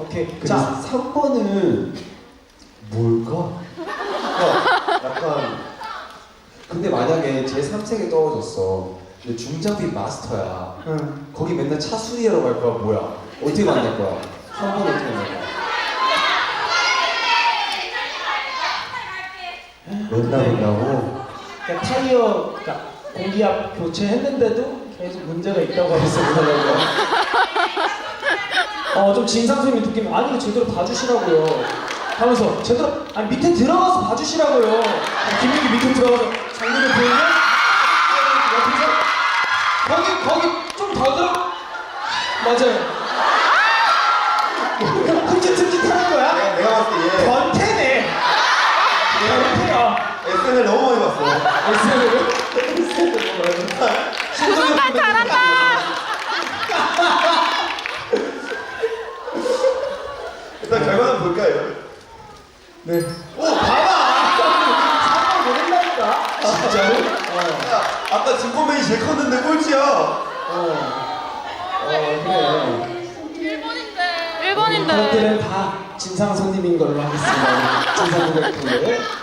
오케이. 자, 3번은 뭘까? 약간 근데 만약에 제 3세계 떨어졌어. 근데 중장비 마스터야. 응. 거기 맨날 차 수리하러 갈 거야. 뭐야? 어떻게 만날 거야? 3번 어떻게 만날 거야? 맨날 온다고? 그러니까 타이어, 그러니까 공기압 교체했는데도 계속 문제가 있다고 하면서 그러더라고요. 좀 진상 선생님 느낌이 아니 제대로 봐주시라고요. 하면서 제대로 아니 밑에 들어가서 봐주시라고요. 김민기 밑에 들어가서 장면을 보이면 옆에서 거기 좀 더 들어. 맞아요. 흠칫흠칫 하는 거야? 내가 봤을 때 얘 변태네. 변태야. SNL 너무 많이 봤어. 순간 잘한다. 일단 결과는 볼까요? 네. 오, 봐봐! 사람 모른다니까. 진짜로? 야, 아까 진코맨이 제일 컸는데 꼴찌야. 그래. 일본인데. 저들은 다 진상 손님인 걸로 하겠습니다. 진상 고객분들.